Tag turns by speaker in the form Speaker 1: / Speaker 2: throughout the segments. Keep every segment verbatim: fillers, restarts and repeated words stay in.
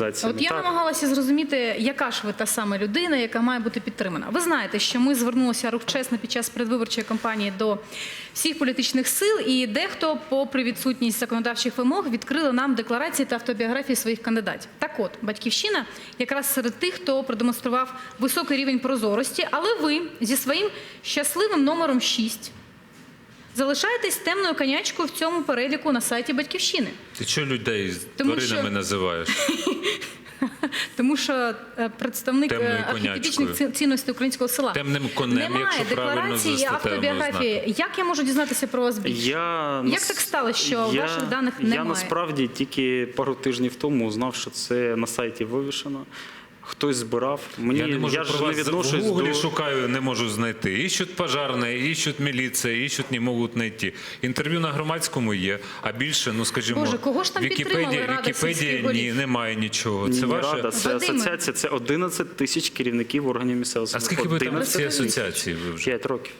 Speaker 1: організаціями.
Speaker 2: От я
Speaker 1: так.
Speaker 2: намагалася зрозуміти, яка ж ви та сама людина, яка має бути підтримана. Ви знаєте, що ми звернулися рух чесно під час передвиборчої кампанії до всіх політичних сил, і дехто, попри відсутність законодавчих вимог, відкрили нам декларації та автобіографії своїх кандидатів. Так от, «Батьківщина» якраз серед тих, хто продемонстрував високий рівень прозорості, але ви зі своїм щасливим номером шість залишаєтесь темною конячкою в цьому переліку на сайті «Батьківщини».
Speaker 3: Ти чого людей з
Speaker 2: Тому
Speaker 3: тваринами
Speaker 2: що-
Speaker 3: називаєш?
Speaker 2: Тому що е, представник
Speaker 3: Темною
Speaker 2: е, архетипічних
Speaker 3: конячкою.
Speaker 2: ці- цінностей українського села.
Speaker 3: Темним конем,
Speaker 2: Немає
Speaker 3: якщо правильно
Speaker 2: декларації і
Speaker 3: за статтею
Speaker 2: автобіографії. Як я можу дізнатися про вас більше?
Speaker 1: Я,
Speaker 2: Як так сталося, що
Speaker 1: я,
Speaker 2: ваших даних
Speaker 1: я
Speaker 2: немає?
Speaker 1: насправді тільки пару тижнів тому узнав, що це на сайті вивішено. Хтось збирав. Мені,
Speaker 3: Я не можу
Speaker 1: я
Speaker 3: про
Speaker 1: ж не
Speaker 3: вас в
Speaker 1: відношусь
Speaker 3: Гуглі
Speaker 1: до...
Speaker 3: шукаю, не можу знайти. Іщуть пожарні, іщуть міліція, іщуть не можуть знайти. Інтерв'ю на Громадському є, а більше, ну скажімо,
Speaker 2: Боже, кого ж там підтримали,
Speaker 3: Вікіпедія,
Speaker 2: Рада
Speaker 3: Вікіпедії
Speaker 2: сільських
Speaker 3: ні,
Speaker 2: голів?
Speaker 3: немає нічого.
Speaker 1: Ні,
Speaker 3: Це
Speaker 1: не
Speaker 3: ваше...
Speaker 1: Рада, це
Speaker 2: Вадиме.
Speaker 1: асоціація, це одинадцять тисяч керівників органів місцевого
Speaker 3: А скільки ви там в цій
Speaker 2: Розкажіть.
Speaker 3: асоціації ви вже?
Speaker 1: П'ять років.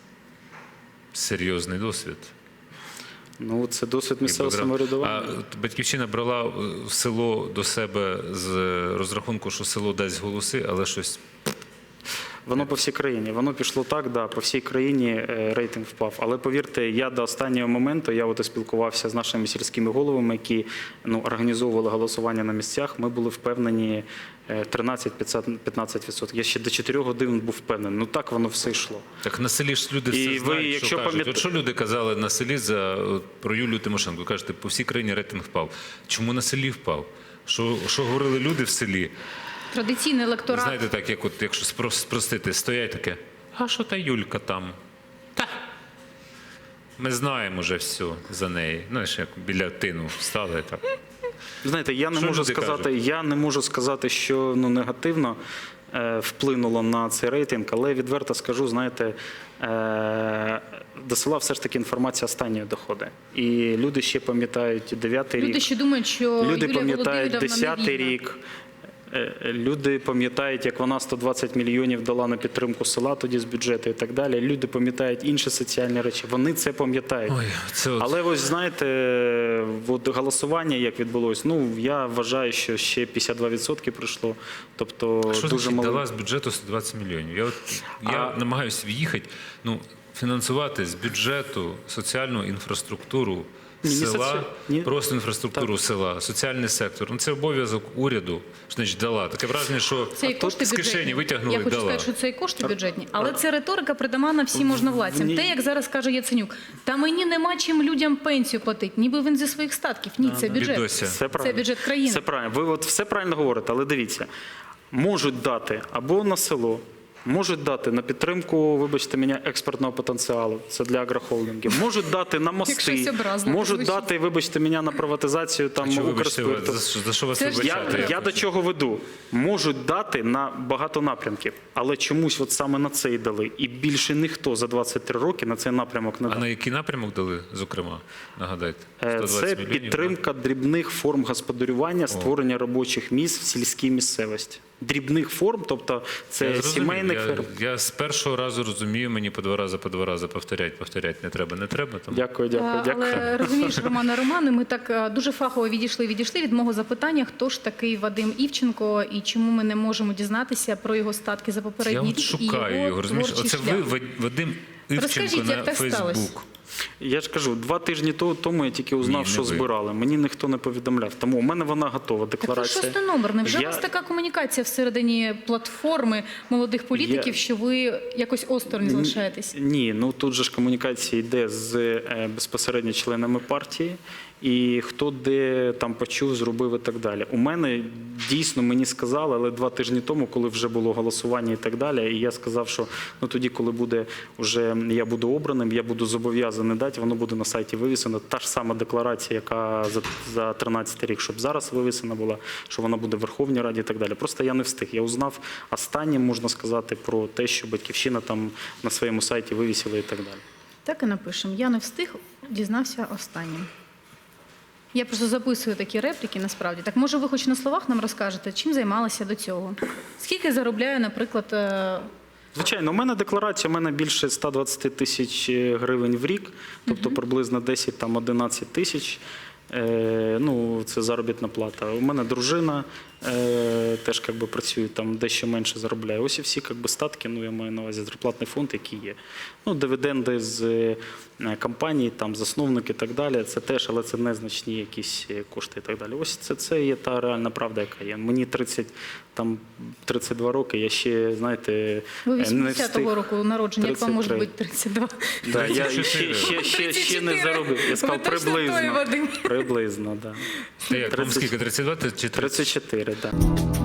Speaker 3: Серйозний досвід.
Speaker 1: Ну, це досвід місцевого
Speaker 3: А
Speaker 1: самоврядування.
Speaker 3: от «Батьківщина» брала в село до себе з розрахунку, що село дасть голоси, але щось...
Speaker 1: Воно по всій країні. Воно пішло так, да, по всій країні е, рейтинг впав. Але повірте, я до останнього моменту, я от спілкувався з нашими сільськими головами, які ну, організовували голосування на місцях, ми були впевнені е, тринадцять-п'ятнадцять відсотків. Я ще до чотирьох годин був впевнений. Ну так воно все йшло.
Speaker 3: Так на селі ж люди
Speaker 1: І
Speaker 3: все
Speaker 1: ви,
Speaker 3: знають,
Speaker 1: якщо
Speaker 3: що кажуть.
Speaker 1: пам'ят-
Speaker 3: От що люди казали на селі за, от, про Юлію Тимошенко? Кажете, по всій країні рейтинг впав. Чому на селі впав? Що, що говорили люди в селі?
Speaker 2: Традиційний електорат.
Speaker 3: Знаєте, так, як от, якщо спро- спростити, стоять таке, а що та Юлька там? Та, ми знаємо вже все за неї. Знаєш, як біля тину стали так.
Speaker 1: Знаєте, я не
Speaker 3: Що
Speaker 1: можу
Speaker 3: люди
Speaker 1: сказати,
Speaker 3: кажуть?
Speaker 1: я не можу сказати, що ну негативно е, вплинуло на цей рейтинг, але відверто скажу, знаєте, е, до села все ж таки інформація останньої доходить. І люди ще пам'ятають дев'ятий рік.
Speaker 2: Люди ще думають, що
Speaker 1: Люди
Speaker 2: Юлія
Speaker 1: пам'ятають
Speaker 2: Володимирівна
Speaker 1: десятий
Speaker 2: невільна.
Speaker 1: рік. Е, Люди пам'ятають, як вона сто двадцять мільйонів дала на підтримку села тоді з бюджету і так далі. Люди пам'ятають інші соціальні речі. Вони це пам'ятають.
Speaker 3: Ой, це от...
Speaker 1: Але ось знаєте, от голосування як відбулось, ну я вважаю, що ще п'ятдесят два відсотки прийшло. Тобто
Speaker 3: Що
Speaker 1: дуже
Speaker 3: значить
Speaker 1: мало.
Speaker 3: дала з бюджету сто двадцять мільйонів? Я, от, я
Speaker 1: А-
Speaker 3: намагаюся в'їхати, ну, фінансувати з бюджету соціальну інфраструктуру
Speaker 1: Ні, не
Speaker 3: села,
Speaker 1: соці- ні.
Speaker 3: просто інфраструктуру села, соціальний сектор. Ну, це обов'язок уряду, що значить дала. Таке враження, що
Speaker 2: Це і кошти
Speaker 3: з
Speaker 2: бюджетні.
Speaker 3: кишені витягнули
Speaker 2: Я
Speaker 3: і
Speaker 2: хочу
Speaker 3: дала.
Speaker 2: сказати, що це і кошти бюджетні. Але це риторика притаманна всім можновладцям.
Speaker 1: Ні.
Speaker 2: Те, як зараз каже Яценюк, та мені нема чим людям пенсію платити, ніби він зі своїх статків. Ні, це бюджет.
Speaker 3: Бідося.
Speaker 1: Це правильно.
Speaker 2: бюджет країни.
Speaker 1: Це правильно. Ви от все правильно говорите, але дивіться, можуть дати або на село, можуть дати на підтримку, вибачте мене, експортного потенціалу. Це для агрохолдингів. Можуть дати на
Speaker 2: Як
Speaker 1: мости.
Speaker 2: щось образливо
Speaker 1: Можуть
Speaker 2: звучить.
Speaker 1: дати, вибачте мене, на приватизацію там
Speaker 3: Що, вибачте, ви-
Speaker 1: Укрспирту.
Speaker 3: за, що- за що вас
Speaker 2: Це ж
Speaker 3: вибачати?
Speaker 1: Я, я до чого веду? Можуть дати на багато напрямків, але чомусь от саме на це і дали. І більше ніхто за двадцять три роки на цей напрямок не
Speaker 3: А
Speaker 1: дав.
Speaker 3: на який напрямок дали, зокрема? Нагадайте.
Speaker 1: Е,
Speaker 3: сто двадцять
Speaker 1: Це
Speaker 3: мільйонів,
Speaker 1: підтримка дрібних форм господарювання, створення робочих місць в сільській місцевості. Дрібних форм, тобто
Speaker 3: Я
Speaker 1: це
Speaker 3: зрозумів.
Speaker 1: сімейних
Speaker 3: я,
Speaker 1: ферм.
Speaker 3: я з першого разу розумію, мені по два рази, по два рази повторять, повторять не треба, не треба. Там.
Speaker 1: Дякую, дякую,
Speaker 2: А,
Speaker 1: дякую.
Speaker 2: Але розумієш, Романе Романе, ми так а, дуже фахово відійшли, відійшли від мого запитання, хто ж такий Вадим Івченко і чому ми не можемо дізнатися про його статки за
Speaker 3: Я
Speaker 2: попередній
Speaker 3: от
Speaker 2: рік і
Speaker 3: шукаю
Speaker 2: його
Speaker 3: його, розумієш?
Speaker 2: творчий
Speaker 3: Оце
Speaker 2: шлях.
Speaker 3: ви, Вад- Вадим Івченко
Speaker 2: Розкажіть,
Speaker 3: на
Speaker 2: як так сталося?
Speaker 3: Фейсбук.
Speaker 1: Я ж кажу, два тижні то- тому я тільки узнав,
Speaker 3: Ні, не
Speaker 1: що
Speaker 3: ви.
Speaker 1: збирали. Мені ніхто не повідомляв. Тому у мене вона готова,
Speaker 2: Так це
Speaker 1: декларація.
Speaker 2: шостий номер. Невже
Speaker 1: Я-
Speaker 2: у вас така комунікація всередині платформи молодих політиків,
Speaker 1: Я-
Speaker 2: що ви якось осторонь залишаєтесь?
Speaker 1: Ні, ну тут же ж комунікація йде з е, безпосередньо членами партії, і хто де там почув, зробив і так далі. У мене дійсно мені сказали, але два тижні тому, коли вже було голосування і так далі, і я сказав, що ну тоді, коли буде вже я буду обраним, я буду зобов'язаний дати, воно буде на сайті вивісено. Та ж сама декларація, яка за, за тринадцятий рік, щоб зараз вивісена була, що вона буде в Верховній Раді і так далі. Просто я не встиг. Я узнав останнім, можна сказати, про те, що Батьківщина там на своєму сайті вивісила і так далі.
Speaker 2: Так і напишемо. Я не встиг, дізнався останнім. Я просто записую такі репліки, насправді. Так може ви хоч на словах нам розкажете, чим займалися до цього? Скільки заробляє, наприклад, е,
Speaker 1: Звичайно, у мене декларація, у мене більше ста двадцяти тисяч гривень в рік, тобто приблизно десять там одинадцять тисяч. Е, ну, це заробітна плата. У мене дружина, е, теж як би, працюють там дещо менше заробляє. Ось і всі як би, статки, ну я маю на увазі зарплатний фонд, який є. Ну, дивіденди з е, компаній, там, засновники і так далі, це теж, але це незначні якісь кошти і так далі. Ось це, це є та реальна правда, яка є. Мені тридцять, там, тридцять два роки, я ще, знаєте,
Speaker 2: Ви
Speaker 1: не
Speaker 2: вісімдесятого
Speaker 1: встиг.
Speaker 2: року народження, як вам може
Speaker 1: тридцять
Speaker 2: бути тридцять два?
Speaker 1: Да, я
Speaker 3: тридцять
Speaker 1: ще,
Speaker 3: чотири.
Speaker 1: ще, ще, ще не заробив. Я сказав,
Speaker 2: Ви точно той,
Speaker 1: приблизно.
Speaker 2: Вадим?
Speaker 1: Приблизно, так.
Speaker 3: Ти як, вам
Speaker 1: тридцять
Speaker 3: скільки, тридцять два чи тридцять?
Speaker 1: тридцять чотири, так.